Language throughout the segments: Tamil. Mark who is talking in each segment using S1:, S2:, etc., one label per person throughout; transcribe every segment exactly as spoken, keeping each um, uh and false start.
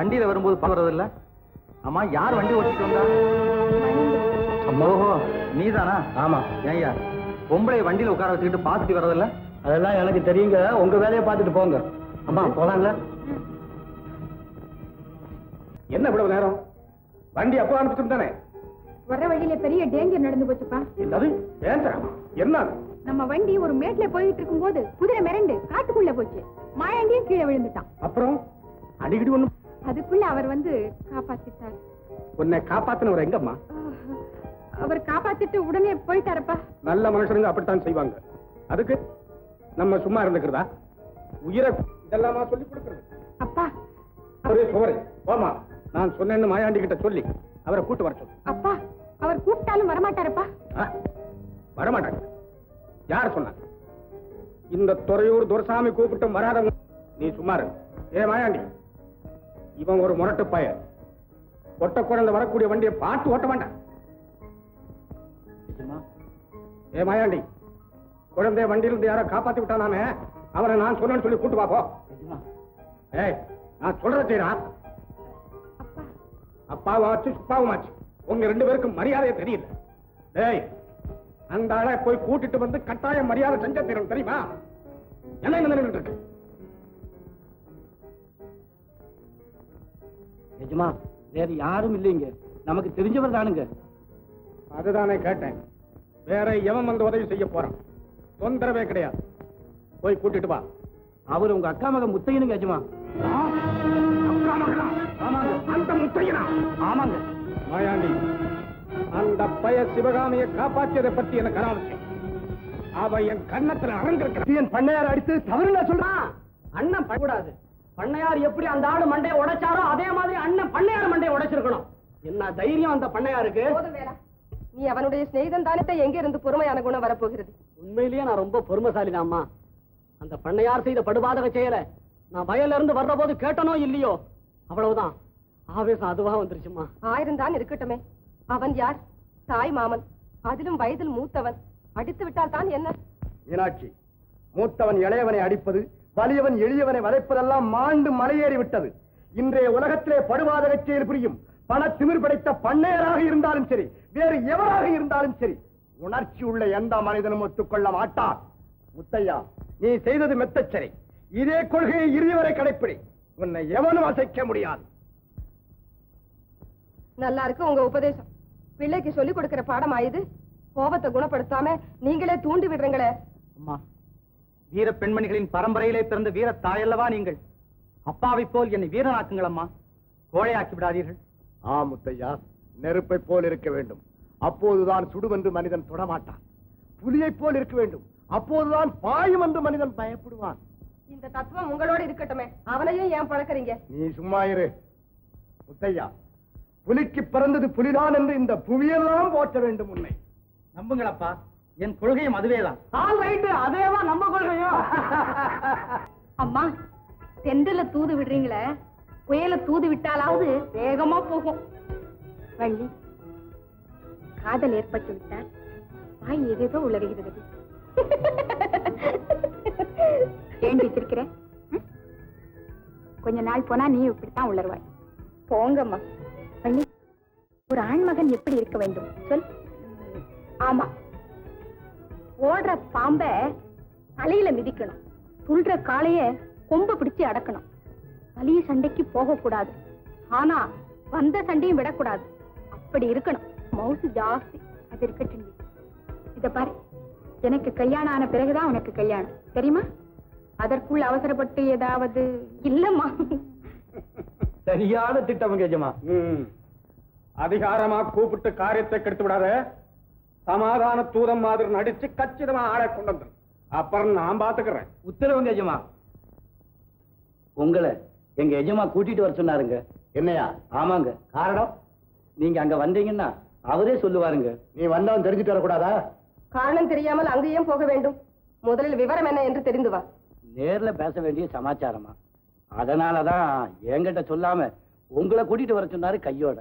S1: வண்டியில வரும்போது பாக்குறதில்ல. ஆமா, யார் வண்டி ஓட்டிட்டு வந்தா? ஓஹோ, நீதானா? ஆமா. ஏய்யா, பொம்பளை வண்டியில உட்கார வச்சுக்கிட்டு பாத்துட்டு வரதில்ல? அதெல்லாம் எனக்கு தெரியுங்க. உங்க வேலையை பார்த்துட்டு போங்க. அம்மா போலாம்ல?
S2: என்ன இவ்வளவு நேரம்? வண்டி அப்போ அனுப்பிச்சு தானே?
S3: வர வழியில பெரிய டேஞ்சர் நடந்து போச்சுப்பா.
S2: என்னது டேஞ்சரா? என்ன?
S3: நம்ம வண்டி ஒரு மேட்ல போயிட்டு இருக்கும் போது குதிரை மிரண்டு காட்டுக்குள்ள போச்சு. மாயாண்டியும் கீழே விழுந்துட்டான்.
S2: அப்புறம் அடிக்கடி ஒண்ணு.
S3: அதுக்குள்ள அவர் வந்து காப்பாத்திட்டார்.
S2: உன்னை காப்பாத்தினவர் எங்கம்மா?
S3: அவர் காப்பாத்திட்டு உடனே போயிட்டாரப்பா.
S2: நல்ல மனுஷனுங்க அப்படித்தான் செய்வாங்க. அதுக்கு நம்ம சும்மா இருந்துக்கிறதா? உயிரை இதெல்லாமா சொல்லி கொடுக்கிறது?
S3: அப்பா
S2: ஒரே சோரை போமா. நான் சொன்னேன்னு மாயாண்டி கிட்ட சொல்லி அவரை கூட்டு வர சொல்லு.
S3: அப்பா, அவர் கூப்பிட்டாலும் வரமாட்டாரப்பா.
S2: வரமாட்டாங்க. யார் சொன்னாங்க? இந்த துறையூர் துரசாமி கூப்பிட்டும் வராதவங்க. நீ சும்மா இரு. ஏ மாயாண்டி, இவன் ஒரு முரட்டு பையன். ஒட்ட குழந்தை வரக்கூடிய வண்டியை பார்த்து ஓட்ட வேண்டாம். ஏ மாயாண்டி, குழந்தைய வண்டியிலிருந்து யாரோ காப்பாத்தி விட்டானாமே, அவனை நான் சொன்னேன்னு சொல்லி கூட்டு பாப்போம். ஏய், நான் சொல்றத செய்யறா. அப்பாவாச்சு சுப்பாவுமாச்சு, உங்க ரெண்டு பேருக்கும் மரியாதையே தெரியல. ஏய், அந்த ஆளை போய் கூட்டிட்டு வந்து கட்டாயம் மரியாதை செஞ்ச தீரும், தெரியுமா? என்ன என்ன இருக்கு?
S1: நிஜமா வேற யாரும் இல்லைங்க, நமக்கு தெரிஞ்சவர் தானுங்க.
S2: அதுதானே கேட்டேன். வேற எவன் வந்து உதவி செய்ய போறான்? தொந்தரவே கிடையாது. போய் கூட்டிட்டு வா.
S1: அவர் உங்க அக்கா மகன் முத்தையனுங்க. எஜமா.
S2: அக்கா மகனா? ஆமாங்க. அந்த முத்தையனா?
S1: ஆமாங்க.
S2: மாயாண்டி, அந்த பய சிவகாமியை காப்பாற்றியதை பத்தி எனக்கு அனாவசியம். அவ என் கண்ணத்துல அரங்கிருக்க. என் பண்ணையார் அடித்து தவறுல சொல்றான்.
S4: அண்ணன் பண்ணக்கூடாது. பண்ணையார் எப்படி அந்த ஆடு மண்டையை உடைச்சாரோ அதே மாதிரி அண்ணன் பண்ணையார் மண்டையை உடைச்சிருக்கணும். என்ன தைரியம் அந்த பண்ணையாருக்கு?
S3: நீ அவனுடைய சிநேகிதன் தானே, எங்க இருந்து பொறுமையான குணம் வரப்போகிறது?
S4: உண்மையிலேயே நான் ரொம்ப பொறுமைசாலிதாம்மா. அந்த பண்ணையார் செய்த படுபாதக செயல நான் வயல்ல இருந்து வர்ற போது கேட்டனோ இல்லையோ, அவ்வளவுதான். ஆவேசம் அதுவா வந்துருச்சுமா.
S3: ஆயிரம் தான் இருக்கட்டுமே, அவன் யார்? தாய் மாமன், அதிலும் வயதில் மூத்தவன். அடித்து விட்டால் தான் என்ன?
S2: மீனாட்சி, மூத்தவன் இளையவனை அடிப்பது, வலியவன் எளியவனை வதைப்பதெல்லாம் மாண்டு மலையேறி விட்டது. இன்றைய உலகத்திலே படுபாதக செயல் புரியும் பண திமிர் படைத்த பண்ணையராக இருந்தாலும் சரி, வேறு எவராக இருந்தாலும் சரி, உணர்ச்சி உள்ள எந்த மனிதனும் ஒத்துக்கொள்ள மாட்டார். முத்தையா, நீ செய்தது மெத்தச்சரி. இதே கொள்கையை இறுதி வரை கடைப்பிடி. உன்னை எவனும் அசைக்க முடியாது.
S3: நல்லா இருக்கு உங்க உபதேசம். பிள்ளைக்கு சொல்லிக் கொடுக்கிற பாடம் ஆயுது. கோபத்தை குணப்படுத்தாம நீங்களே தூண்டி விடுறீங்களே.
S1: அம்மா, வீர பெண்மணிகளின் பரம்பரையிலே பிறந்த வீர தாயல்லவா நீங்கள். அப்பாவை போல் என்னை வீரனாக்குங்கள் அம்மா, கோழையாக்கி விடாதீர்கள்.
S2: ஆ முத்தையா, நெருப்பை போல் இருக்க வேண்டும், அப்போதுதான் சுடுவென்று மனிதன் தொடமாட்டான். புலியை போல் இருக்க வேண்டும், அப்போதுதான் பாயும் என்று மனிதன் பயப்படுவான்.
S3: இந்த தத்துவம் உங்களோட இருக்கட்டுமே, அவனையும் ஏன் பழக்கிறீங்க?
S2: நீ சும்மா இரு. முத்தையா, புலிக்கு பிறந்தது புலிதான் என்று இந்த புவியெல்லாம் போற்ற வேண்டும். உன்னை
S1: நம்புங்களப்பா, என் கொள்கையும் அதுவேதான்.
S4: அதேவா நம்ம கொள்கையும்.
S3: அம்மா, தென்றல தூது விடுறீங்களே, புயல தூது விட்டாலாவது வேகமா போகும். வள்ளி, காதல் ஏற்பட்டு விட்டால் வாய் ஏதேதோ உளறுகிறது. ஏன் வச்சிருக்கிற? கொஞ்ச நாள் போனா நீ இப்படித்தான் உளருவாய். போங்கம்மா. வள்ளி, ஒரு ஆண்மகன் எப்படி இருக்க வேண்டும் சொல். ஆமா, ஓடுற பாம்ப தலையில மிதிக்கணும், துள்ற காளைய கொம்ப பிடிச்சு அடக்கணும். வலிய சண்டைக்கு போக கூடாது, ஆனா வந்த சண்டையும் விடக்கூடாது. அப்படி இருக்கணும். மவுசு ஜாஸ்தி, அது இருக்கட்டும். இத பாரு, எனக்கு கல்யாணம் ஆன பிறகுதான் உனக்கு கல்யாணம், தெரியுமா? அதற்குள் அவசரப்பட்டு ஏதாவது இல்லம்மா.
S1: சரியான திட்டம் கேஜமா.
S2: அதிகாரமா கூப்பிட்டு காரியத்தை கெடுத்து விடாத. சமாதான தூதம் மாதிரி நடிச்சு கச்சிதமா ஆளை கொண்டு வந்து அப்புறம் நான் பாத்துக்கிறேன்.
S1: உத்தரவு கேஜமா. உங்களை எங்க எஜமா கூட்டிட்டு வர சொன்னாருங்க.
S2: என்னையா?
S1: ஆமாங்க. காரணம், நீங்க அங்க வந்தீங்கன்னா அவரே சொல்லுவாருங்க.
S2: நீ வந்தவன் தெரிஞ்சுட்டு வரக்கூடாதா?
S3: காரணம் தெரியாமல் அங்கேயும் போக வேண்டும். முதலில் விவரம் என்ன என்று தெரிந்து வா.
S1: நேர்ல பேச வேண்டிய சமாச்சாரமா, அதனாலதான் என்கிட்ட சொல்லாம உங்களை கூட்டிட்டு வர சொன்னாரு கையோட.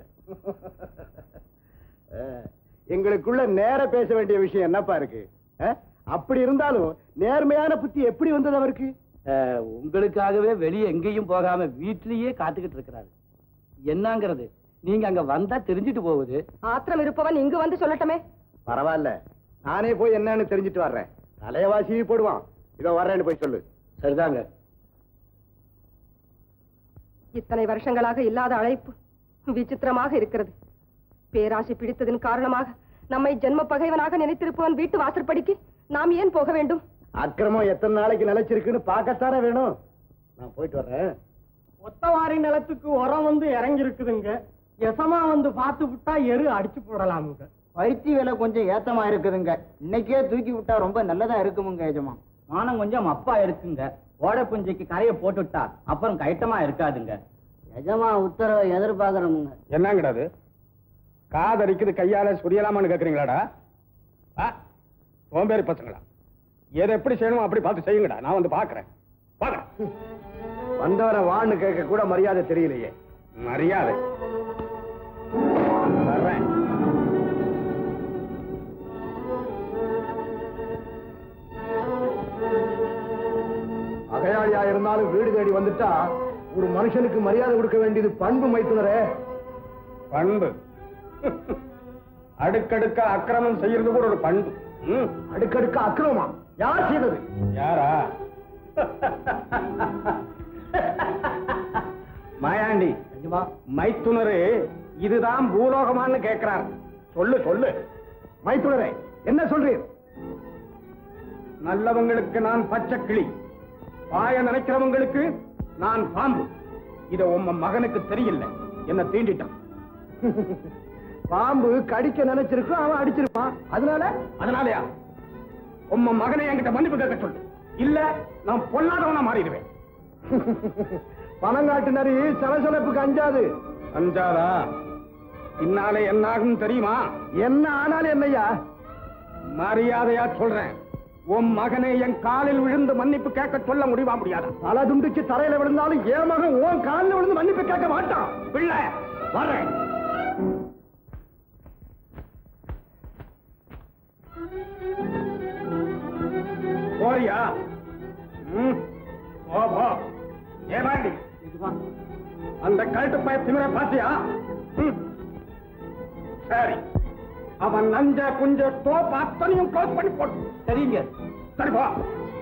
S2: எங்களுக்குள்ள நேர பேச வேண்டிய விஷயம் என்னப்பா இருக்கு? அப்படி இருந்தாலும் நேர்மையான புத்தி எப்படி வந்தது அவருக்கு?
S1: உங்களுக்காகவே வெளியே எங்கேயும் போகாம வீட்லயே காத்துக்கிட்டு இருக்கிறாரு. என்னங்கிறது நீங்க அங்க வந்தா தெரிஞ்சிட்டு போகுது.
S3: ஆத்திரம் இருப்பவன் இங்கு வந்து சொல்லட்டுமே.
S2: பரவாயில்ல, நானே போய் என்னன்னு தெரிஞ்சிட்டு வர்றேன். தலைவாசி போடுவான். இதோ வர்றேன்னு போய் சொல்லு.
S1: சரிதாங்க.
S3: இத்தனை வருஷங்களாக இல்லாத அழைப்பு விசித்திரமாக இருக்கிறது. பேராசை பிடித்ததின் காரணமாக நம்மை ஜென்ம பகைவனாக நினைத்திருப்பவன் வீட்டு வாசற்படிக்கு நாம் ஏன் போக வேண்டும்?
S2: அக்கிரமம் எத்தனை நாளைக்கு நிலைச்சிருக்குன்னு பார்க்கத்தானே வேணும். நான் போயிட்டு வர்றேன்.
S4: ஒத்தவாரி நிலத்துக்கு உரம் வந்து இறங்கி இருக்குதுங்க. எசமா வந்து பார்த்து விட்டா எரு அடிச்சு போடலாமுங்க.
S1: பருத்தி விலை கொஞ்சம் ஏத்தமா இருக்குதுங்க. இன்னைக்கே தூக்கி விட்டா ரொம்ப நல்லதா இருக்குமுங்க எஜமா. மானம் கொஞ்சம் அப்பா இருக்குங்க. ஓடை புஞ்சிக்கு கரையை போட்டுவிட்டா அப்புறம் கைட்டமா இருக்காதுங்க.
S4: எஜமா உத்தரவை எதிர்பார்க்கறோமுங்க.
S2: என்னங்கடாது? காதரிக்குது கையால சுரியலாமான்னு கேக்குறீங்களாடா? சோம்பேறி பசங்களா, எதை எப்படி செய்யணுமோ அப்படி பார்த்து செய்யுங்கடா. நான் வந்து பாக்குறேன். வந்தவரை வான்னு கேட்க கூட மரியாதை தெரியலையே. மரியாதை வர்றேன். அகையாளியா இருந்தாலும் வீடு தேடி வந்துட்டா ஒரு மனுஷனுக்கு மரியாதை கொடுக்க வேண்டியது பண்பு மைத்துனரே. பண்பு அடுக்கடுக்க அக்கிரமம் செய்யறது கூட ஒரு பண்பு. அடுக்கடுக்க அக்கிரமா யார் செய்தது? யாரா? மாயாண்டி மைத்துனரு இதுதான் பூலோகமான்னு கேட்கிறார். சொல்லு சொல்லு மைத்துனரே, என்ன சொல்றீர்? நல்லவங்களுக்கு நான் பச்சை கிளி, பாய நினைக்கிறவங்களுக்கு நான் பாம்பு. இத உம்ம மகனுக்கு தெரியல. என்ன தீண்டிட்டான். பாம்பு கடிக்க நினைச்சிருக்கும், அவன் அடிச்சிருப்பான். அதனால அதனாலயா உம்ம மகனை என்கிட்ட மன்னிப்பு கேட்க சொல்லு. இல்ல நான் பொல்லாதவனா மாறிடுவேன். பணங்காட்டு நரி சலசலப்புக்கு அஞ்சாது. அஞ்சாதா? பின்னாலே என்ன ஆகும் தெரியுமா? என்ன ஆனாலும் என்னையா? மரியாதையா சொல்றேன், உன் மகனை என் காலில் விழுந்து மன்னிப்பு கேட்க சொல்ல முடியுமா? முடியாதா? தலை துண்டிச்சு தரையில விழுந்தாலும் என் மகன் உன் காலில் விழுந்து மன்னிப்பு கேட்க மாட்டான். பிள்ளை வர்றேன். போறியா? ஏமாண்டி அந்த கழுட்டு பய திமிர பாத்தியா? சரி, அவன் நஞ்ச குஞ்ச தோப்பு அத்தனையும் க்ளோஸ் பண்ணி போட்டு.
S1: சரிங்க.
S2: சரி போ.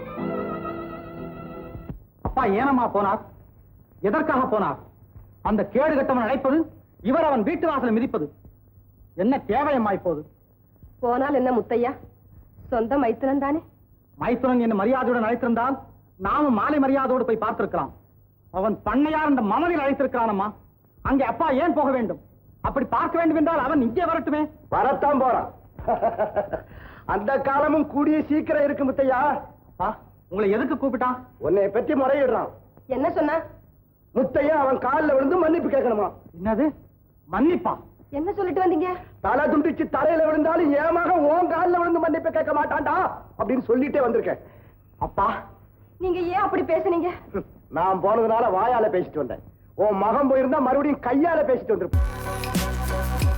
S1: அப்பா ஏனம்மா போனார்? எதற்காக போனார்? அந்த கேடு கட்டவன் அழைப்பது, இவர் அவன் வீட்டு வாசலை மிதிப்பது என்ன தேவையம்மா இப்போது?
S3: போனால் என்ன முத்தையா, சொந்த மைத்துனன் தானே.
S1: மைத்துனன் என்ன மரியாதையுடன் அழைத்திருந்தால் நாமும் மாலை மரியாதையோடு போய் பார்த்திருக்கலாம். அவன் பண்ணையார் இந்த மமதில் அழைத்திருக்கிறானம்மா. அங்கே அப்பா ஏன் போக வேண்டும்? அப்படி பார்க்க வேண்டும் என்றால் அவன் இங்கே வரட்டுமே.
S2: வரத்தான் போறான். அந்த காலமும் கூடிய சீக்கிரம் இருக்கு முத்தையா.
S1: உங்களை எதுக்கு கூப்பிட்டான்?
S2: உன்னை பற்றி முறையிடுறான்.
S3: என்ன சொன்ன?
S2: முத்தையா அவன் காலில் விழுந்து மன்னிப்பு கேட்கணுமா.
S1: என்னது மன்னிப்பா?
S3: என்ன சொல்லிட்டு வந்தீங்க?
S2: தலை துண்டிச்சு தரையில விழுந்தாலும் ஏமாக உன் காலில் விழுந்து மன்னிப்பு கேட்க மாட்டான்டா அப்படின்னு சொல்லிட்டே வந்திருக்கேன்.
S1: அப்பா
S3: நீங்க ஏன் அப்படி பேசுனீங்க?
S2: நான் போனதுனால வாயால பேசிட்டு வந்தேன். உன் மகன் போயிருந்தா மறுபடியும் கையால பேசிட்டு வந்திருப்பேன்.